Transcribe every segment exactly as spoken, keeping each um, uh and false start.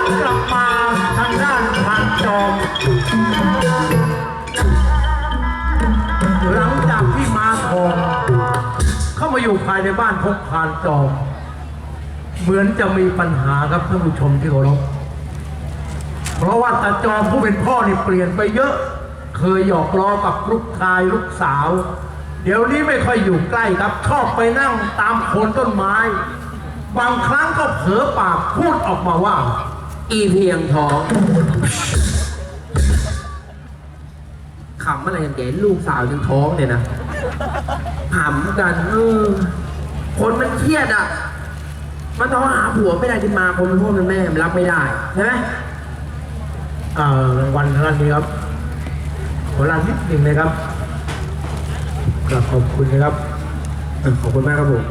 กลับมาทางด้านพานจอมหลังจากที่มาทองเข้ามาอยู่ภายในบ้านของพานจอมเหมือนจะมีปัญหาครับท่านผู้ชมที่เคารพเพราะว่าตาจอมผู้เป็นพ่อนี่เปลี่ยนไปเยอะเคยหยอกล้อกับลูกชายลูกสาวเดี๋ยวนี้ไม่ค่อยอยู่ใกล้ครับชอบไปนั่งตามโคนต้นไม้บางครั้งก็เผลอปากพูดออกมาว่าอีเพียงทองขำอะไรกันแกลูกสาวยังท้องเนี่ยนะขำกันเออคนมันเครียดอ่ะมันต้องหาผัวไม่ได้ที่มาคนเป็นพ่อเป็นแม่มันรับไม่ได้ใช่ไหมอ่ารางวัลท่านนี้ครับขอลานิดหนึ่งนะครับกราบขอบคุณนะครับขอบคุณมากครับผม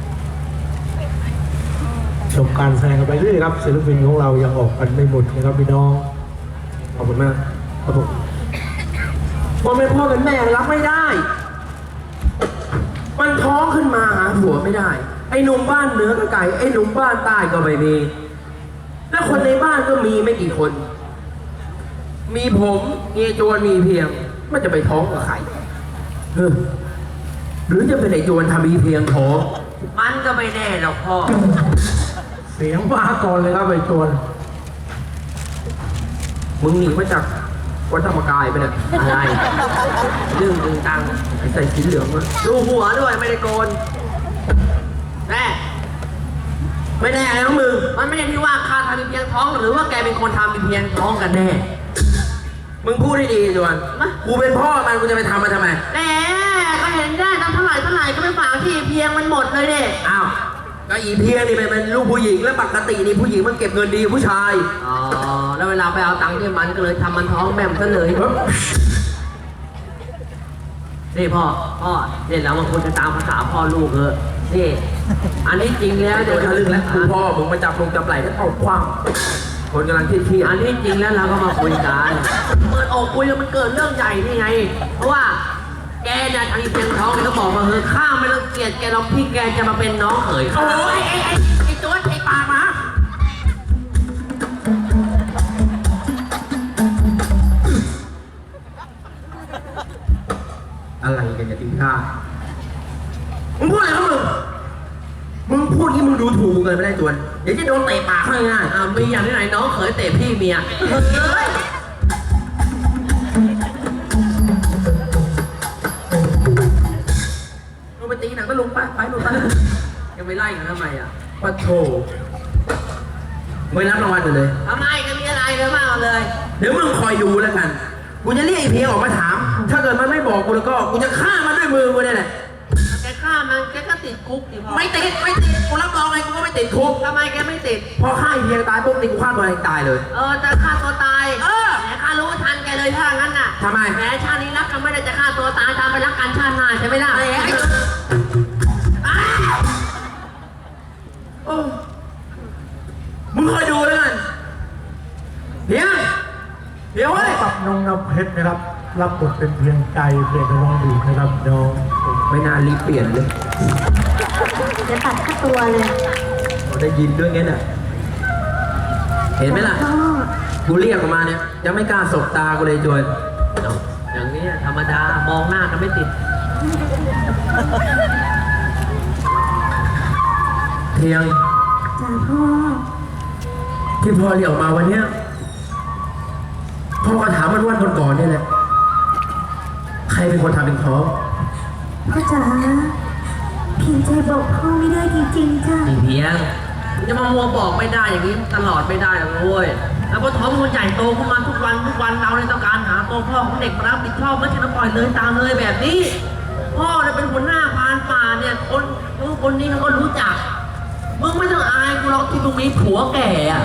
ชมการแสดงกันไปเรื่อยครับศิลปินของเรายังออกกันไม่หมดนะครับพี่น้องขอบคุณมากครับผมคนเป็นพ่อเป็นแม่รับไม่ได้มันท้องขึ้นมาหาผัวไม่ได้ไอ้หนุ่มบ้านเหนือก็ไก่ไอ้หนุ่มบ้านใต้ก็ไม่มีแล้วคนในบ้านก็มีไม่กี่คนมีผมมีโจรมีเพียงมันจะไปท้องกับใครเออหรือจะเป็นไอ้โจรทำมีเพียงท้องมันก็ไม่แน่หรอกพ่อเสียงมาก่อนเลยครับไอ้โจรมึงหนีมาจากวัดธรรมกายไปเนี่ยอะไรเรื่องตึงตังใส่สีเหลืองมาดูหัวด้วยไม่ได้โกนแน่ไม่แน่แล้วมึงมันไม่ได้ที่ว่าข้าทำมีเพียงท้องหรือว่าแกเป็นคนทำมีเพียงท้องกันแน่มึงพูดให้ดีจวนกูเป็นพ่อมันกูจะไปทำมันทำไมแหมก็เห็นได้ทำเท่าไหร่เท่าไหร่ก็ไม่ฝากที่เพียงมันหมดเลยเด็อ้าวก็อีเพียงนี่เป็นลูกผู้หญิงแล้วปกตินี่ผู้หญิงมันเก็บเงินดีผู้ชายอ๋อแล้วเวลาไปเอาตังค์ที่มันก็เลยทำมันท้องแม่มซะเลยนี่พ่อพ่อเนี่ยเรามาคุยกันตามภาษาพ่อลูกเถอะนี่อันนี้จริงแล้วเดี๋ยวจะลึกแล้วคือพ่อมึงมาจับลงจับไหล่แล้วเอาคว้างคนกำลังเครียดอันนี้จริงแล้วเราก็มาคุยกันเปิดอกคุยแล้วมันเกิดเรื่องใหญ่นี่ไงเพราะว่าแกเนี่ยทางอีเพียงท้องแกก็บอกมาเฮ้ยข้าไม่ต้องเกลียดแกลองพี่แกจะมาเป็นน้องเขยโอ้ยไอ้ไอ้ไอ้ตัวไอ้ปากมาอะไรกันอย่าทิ้งข้ามึงพูดอะไรครับมึงมึงพูดที่มึงดูถูกเกินไปได้จวนเดี๋ยวจะโดนเตะปากข้างง่ายอ่ามีอย่างที่ไหนน้องเขยเตะพี่เมียเฮ้ยลงไปตีหนังก็ลงไปไปลงไปยังไปไล่กันทำไมอ่ะปัดโถไม่รับรางวัลเลยทำไมก็มีอะไรเลยมากเลยเดี๋ยวมึงคอยดูแล้วกันกูจะเรียกไอ้เพียงออกมาถามถ้าเกิดมันไม่บอกกูแล้วก็กูจะฆ่ามันด้วยมือกูเนี่ยแหละแกฆ่ามันแกก็ติดคุกดิพ่อไม่ติดไม่ติดกูรับรองเลยกูก็ไม่ติดคุกทำไมแกไม่ติดพอฆ่าไอ้เพียงตายปุ๊บติดกูฆ่าตัวเองตายเลยเออจะฆ่าตัวตายเออแหมข้ารู้ทันแกเลยถ้างั้นน่ะทำไมแหมชาตินี้รักกันไม่ได้จะฆ่าตัวตายตามไปรักกันชาติหน้าใช่ไหมล่ะไอ้โอ้มึงคอยดูแล้วกันเดี๋ยวเดี๋ยวกับน้องน้ำเพชรนะครับรับบทเป็นเพียงใจเพียงน้องดูนะครับน้องไม่น่ารีบเปลี่ยนเลยจะตัดค่าตัวเลยเราได้ยินด้วยงั้นน่ะเห็นไหมล่ะกูเรียกออกมาเนี่ยยังไม่กล้าสบตากูเลยจวนอย่างนี้ธรรมดามองหน้ากันไม่ติดเพียงจ้าพ่อที่พ่อเรียกออกมาวันเนี้ยพ่อก็ถามมันวันก่อนๆนี่แหละใครเป็นคนทำเป็นท้องพ่อจ๋าเพียงใจบอกพ่อไม่ได้จริงๆจ้าเพียงจะมามัวบอกไม่ได้อย่างนี้ตลอดไม่ได้หรอกเว้ยแล้วพอท้องมันใหญ่โตขึ้นมาทุกวันทุกวันเราเนี่ยต้องการหาตัวพ่อของเด็กมารับผิดชอบไม่ใช่มาปล่อยเลยตามเลยแบบนี้พ่อเนี่ยเป็นหัวหน้าพานป่าเนี่ยคนนู้นคนนี้เขาก็รู้จักมึงไม่ต้องอายกูหรอกที่มึงมีผัวแก่อะ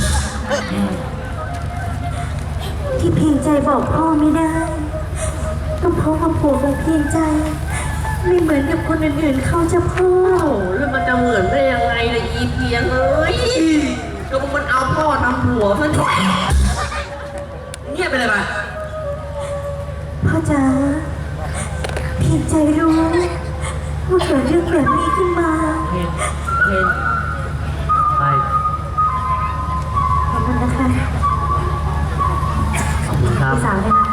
ที่เพียงใจบอกพ่อไม่ได้ก็เพราะว่าผัวของเพียงใจไม่เหมือนกับคนอื่นๆเขาจะพ่อแล้วมันจะเหมือนได้ยังไงล่ะอีเพียงเอ้ยก็มันเอาพ่อทำผัวซะหน่อยเงียบไปเลยไปพ่อจ๋าเพียงใจรู้ว่าเกิดเรื่องแบบนี้ขึ้นมาเห็นเห็นไปขอบคุณนะค่ะครับพี่สาวด้วยนะ